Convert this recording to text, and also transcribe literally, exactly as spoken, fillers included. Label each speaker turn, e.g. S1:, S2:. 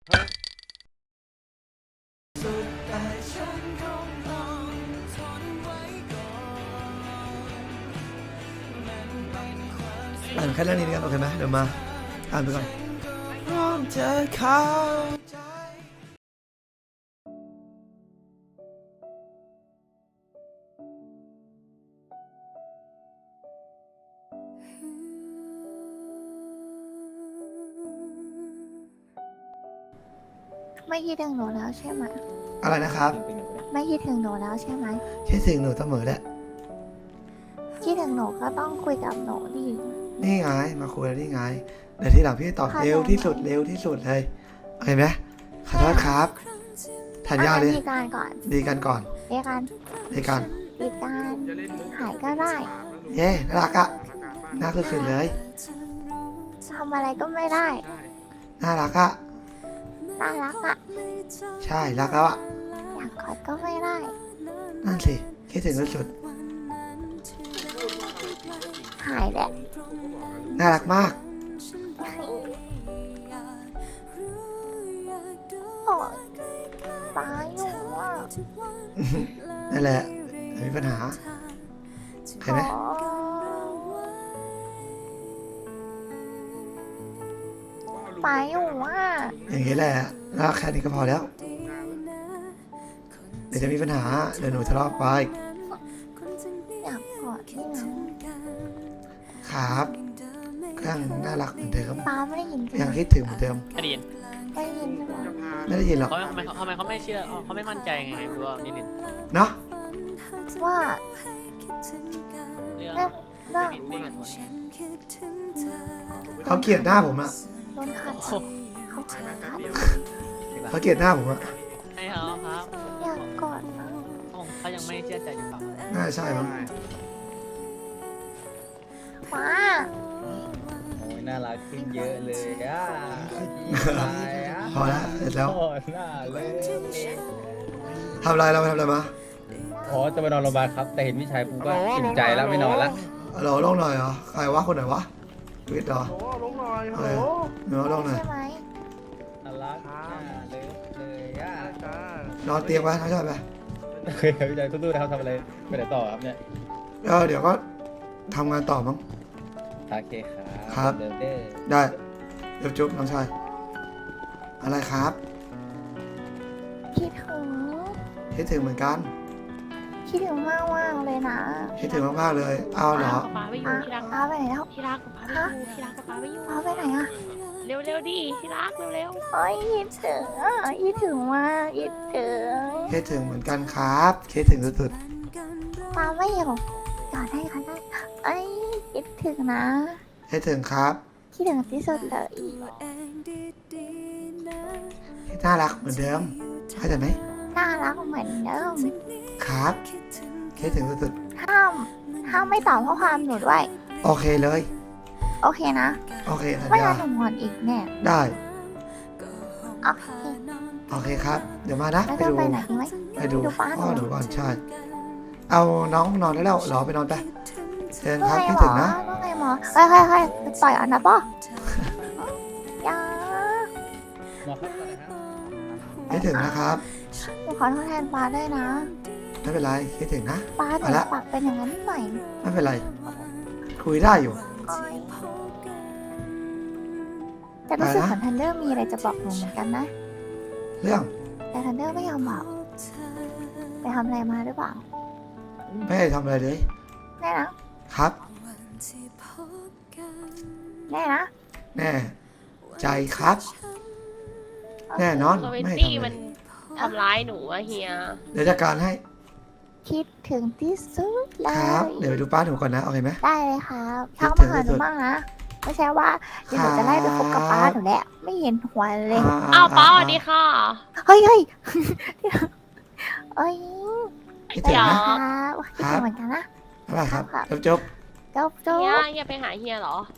S1: อ่านแค่เรื่องนี้กันโอเคไหมเดี๋ยวมาอ่านไปก่อนพร้อมจะเข้าใจ
S2: ไม่คิดถึงหนูแล้วใช่ไหม
S1: อะไรนะครับ
S2: ไม่คิดถึงหนูแล้วใช่ไหม
S1: คิดถึงหนูเสมอแหละ
S2: คิดถึงหนูก็ต้องคุยกับหนูดิ
S1: นี่ไงมาคุยแล้วนี่ไงเดี๋ยวทีหลังพี่ตอบเร็วที่สุดเร็วที่สุดเลยโอเคไหมขอโทษครับทันยาเลย
S2: ดีกันก่อน
S1: ดีกันก่อน
S2: ดีกัน
S1: ดีกัน
S2: ดีกันหายก็ได้
S1: เย้น่ารักอะน่าสุดๆเลย
S2: ทำอะไรก็ไม่ได้
S1: น่ารักอะ
S2: น่ารักอะ
S1: ใช่รักแล้วอะ
S2: อยากกอดก็ไม่ได้
S1: นั่นสิคิดถึงสุด
S2: หายแหละ
S1: ๆน่ารักมาก
S2: โอ้ยตายอยู่อ่ะ
S1: นั่นแหละไม่มีปัญหาเห็นไหม
S2: โอ้ตายอยู่อ่ะ
S1: อย่างนี้แหละรักแค่นี้ก็พอแล้วเดี๋ยวจะมีปัญหาเดี๋ยวหนูทะเลาะไป
S2: อยากกอดที่นั้น
S1: ครับก็ยังน่ารักเหมือนเดิม
S2: ตาไม่ได้ยินจริง
S1: ยังคิดถึงเหมือนเดิม
S3: ไม่ได้ยิน
S2: ได้ยินใช่ไหม
S1: ไม่ได้ยินหรอก
S3: เขาทำไมทำไมเขาไม่เชื่อเขาไม่มั่นใจไงไม่รู้ว่านิลิน
S1: เนาะ
S2: ว่า
S3: เรื่อง
S2: เรื่องเรื่อง
S3: นิลินนี่กับตัวนี้
S1: เขาเกลียดหน้าผมอะ
S2: โดนขัดเขาขัดขัด
S1: เขาเกลียดหน้าผมอะ
S3: ให้เขาครับ
S2: อยากกอดนะ
S3: เขายังไม่เชื่อใจอยู่เปล่า
S1: น่าใช่มั้ง
S2: ว้า
S4: โอ้ยน่ารักขึ้นเยอะเลยอ่ะตายอ่ะ
S1: พอแล้วเสร็จแล้ว
S4: โอ้ยน่าเลย
S1: ทำอะไรเราไปทำอะไรมา
S4: อ๋อจะไปนอนโรงพยาบาลครับ แต่เห็นพี่ชายกูก็อิ่มใจแล้วไม่นอนละ
S1: เราลงหน่อยเหรอใครวะคนไหนวะวิทย์เหรอ
S5: โอ้ลงหน่อย
S1: โอ
S5: ฮัล
S1: เค
S5: โหล
S1: เนื้อลงหน่อย
S2: ใช่ไหม
S4: น่ารักน่าเลยเลยอ่ะ
S5: จ้าน
S1: อนเตียงไว้น้องชายไป
S4: เคยพี่ชายสู้ๆนะครับทำอะไรไปไหนต่อครับเนี่ย
S1: แล้วเดี๋ยวก็ทำงานต่อมั้ง
S4: โอเคครับ
S1: ครับ
S4: เดิมเด้อ
S1: ได้เดี๋ยวจุ๊บน้องชายอะไรครับ
S2: คิดถึง
S1: คิดถึงเหมือนกัน
S2: คิดถึงมากมากๆเลยนะ
S1: คิดถึงมากๆเลยเอาเหรอ
S6: ป๊าไปอยู่
S2: อ่ะ
S6: ที่รัก
S2: ป้าไปไหนแล้ว
S6: ที่รักกับป๊าไปอยู่ที่รักกับป๊าไปอยู่
S2: ป้าไปไหนอ่ะ
S6: เร็วเร็วๆดิที่รักเร็วเร็ว
S2: เอ้ยคิดถึงอ่ะคิดถึงมากคิดถึง
S1: คิดถึงเหมือนกันครับคิดถึงสุด
S2: ป้าไม่อยู่กอดได้ก็ได้เอ้ยคิดถึงนะ
S1: ๆคิดถึงครับ
S2: คิดถึงที่สุดเลย
S1: น่ารักเหมือนเดิมเข้าใจไหม
S2: น่ารักเหมือนเดิม
S1: ครับคิดถึงสุด
S2: ห้ามห้ามไม่ตอบข้อความหนูด้วย
S1: ๆโอเคเลย
S2: โอเคนะ
S1: โอเคสัญ
S2: ไม่
S1: ญา
S2: งั้นหนูงอนอีกแน่
S1: ได้
S2: โอเค
S1: โอเคครับ เดี๋ยวมานะ
S2: แล้ว
S1: ไป
S2: จะ
S1: ดู
S2: ไปไหนดีไหม
S1: ไปดู
S2: ดูป้าหนู
S1: พ่อหนูก่อนใช่ เอาน้องนอนได้แล้วเหรอไปนอนไปเชิญครับคิด
S2: ว่าไงหม
S1: ถึ
S2: อง
S1: นะ
S2: ว่าไงหมอเฮ้ยเฮ้ยเฮ้ยต่อยอันนะป่ะยา
S4: หมอครับก่อนนะครับ
S1: คิดถึงนะครับ
S2: หนูขอโทษแทนป้าด้วยนะ
S1: ไม่เป็นไรคิดถึงนะ
S2: ป้าหนู
S1: ไปละ
S2: ปากเป็นอย่างนั้นนิดหน่อย
S1: ไม่เป็นไร คุยได้อยู่
S2: โอ๊ยแต่รู้สึก
S1: อะไรนะ
S2: เหมือนทันเดอร์มีอะไรจะบอกหนูเหมือนกันนะ
S1: เรื่อง
S2: แต่ทันเดอร์ไม่ยอมบอก ไปทำอะไรมาหรือเปล่า
S1: ไม่ได้ทำอะไรเลย
S2: แน่นะ
S1: ครับ
S2: แน่นะ
S1: แน่ใจครับ แน่นอน
S6: โซเว
S1: ไม่
S6: ตี้
S1: ทำอะไร
S6: มันทำร้ายหนูอะเฮีย
S1: เดี๋ยวจัดการให้
S2: คิดถึงที่สุดเล
S1: ครับ
S2: ย
S1: เดี๋ยวไปดูป้าหนูก่อนนะโอเคไหม
S2: ได้เลยครับ
S1: คิด
S2: ทัก
S1: ถึ
S2: มาง หาห
S1: ที่สุ
S2: นู
S1: ด
S2: บ้างนะ ไม่ใช่ว่าเดี๋ยวหนูจะไล่ไปคบกับป้าหนูแหละไม่เห็นหัวเลย
S6: อ้าวป้าสวัสดีค่ะ
S2: เฮ้ยเฮ้ยเอ้ย
S1: คิดถึงนะ
S2: ครับคิดถึงเหมือนกันนะ
S1: อะไรครับ
S2: ครับ
S1: จบจบ
S2: จบจบ
S6: เฮียเฮียไปหาเฮียเหรอ